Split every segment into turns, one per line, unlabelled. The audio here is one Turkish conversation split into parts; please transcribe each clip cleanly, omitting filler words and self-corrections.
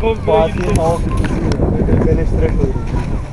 Fatih'in hava filtresi beleştirek koydum.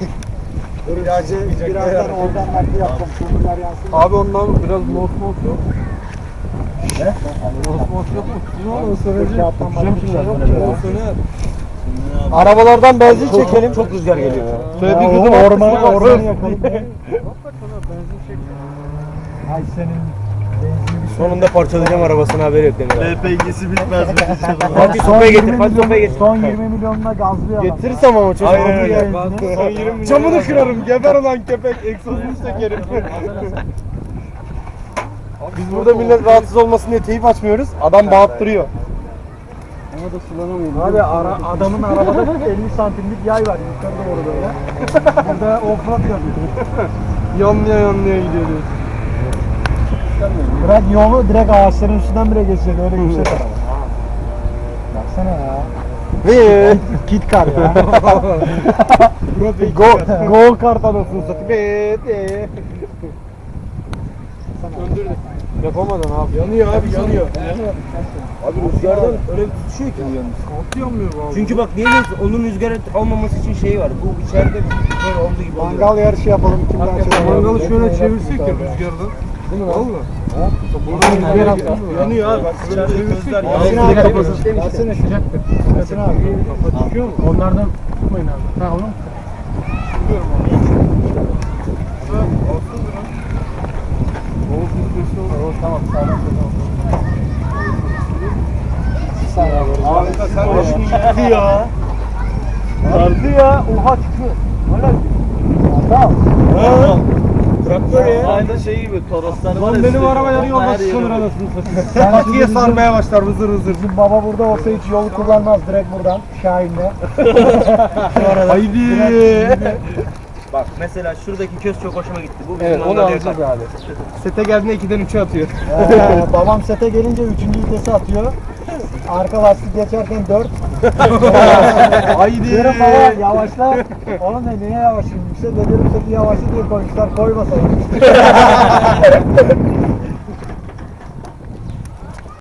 Birazdan oradan nakli yapalım. Kumrular yansın.
Abi ondan biraz mos yok.
Ne?
Mos yok mu? Ne olur
Peki, yapmam
söyleyeceğim.
lazım.
Yok
Söyle.
mu? Söner.
Arabalardan benzin çekelim. Çok rüzgar geliyor.
Şöyle bir
Ya,
gıdım
ormanı
atlasın,
ormanı
atlasın.
yakalım.
Hakikaten ha, benzin çekiyor.
Ay senin benzin bir
Sonunda parçalayacağım arabasını, haberi yok Demir abi.
LPG'si bitmez mi?
Fatih sopaya getir, Fatih sopaya getir.
Son 20 milyonla gazlıyor adam.
Getirirsem ama çocuk.
Aynen
alır
öyle.
ya.
Son 20 milyon.
Camını kırarım, geber olan köpek, egzozunu sökerim. Biz burada millet rahatsız olmasın diye teyip açmıyoruz, adam bağırttırıyor.
Ama da sulanamıyorum.
Abi adamın arabada 50 santimlik yay var yukarı doğru böyle. Burada offroad yapıyor.
Yanlaya gidiyoruz.
Bırak yolu direkt ağaçların üstünden bile geçecek öyle yüksek araba. Baksana ya. Kit kar ya. Go kart anasını satayım.
Öndürdük. Yapamadın abi.
Yanıyor abi, yanıyor. Abi rüzgardan öyle bir tutuşuyor ki bu yalnız.
Nasıl yanmıyor bu abi?
Çünkü bak diyelim ki onun rüzgar almaması için şey var. Bu içeride böyle olduğu gibi oluyor.
Mangal yarışı yapalım. Kim daha çok
Mangalı şöyle çevirsek ya rüzgardan. Değil mi? Valla. Buradan rüzgar atıyor.
Yanıyor abi, bak içeride gözler
Yasin
yanıyor.
abi kapatın. Yasin sıcaktır. Yasin abi.
Kafa çıkıyor mu?
Onlardan tutmayın abi. Ha oğlum. Tamam sağdan
Abi sen de şunu yıktı ya.
Sardı ya. Oha çıkıyor. Hala Tamam.
Traktör ya.
Aynı şey gibi Toroslar var.
Lan
ya,
benim araba yarı
her
yolda
yeri
sıçılır
var.
anasını satayım.
Patiye sarmaya başlar vızır vızır.
Bizim baba burada olsa hiç yolu kullanmaz. Direkt buradan Şahin'le.
Haydi.
Bak mesela şuradaki köz çok hoşuma gitti. Bu bizim
Evet onu
mangal
alacağız
yakar.
abi. Sete geldiğinde 2'den 3'e atıyor.
Babam sete gelince 3. vitesi atıyor. Arka lastik geçerken 4.
Haydi.
Diyorum baba yavaşla. Oğlum ne niye yavaşlayayım? Yüksek dedim seti yavaşla diye koymuşlar. Koymasaymış.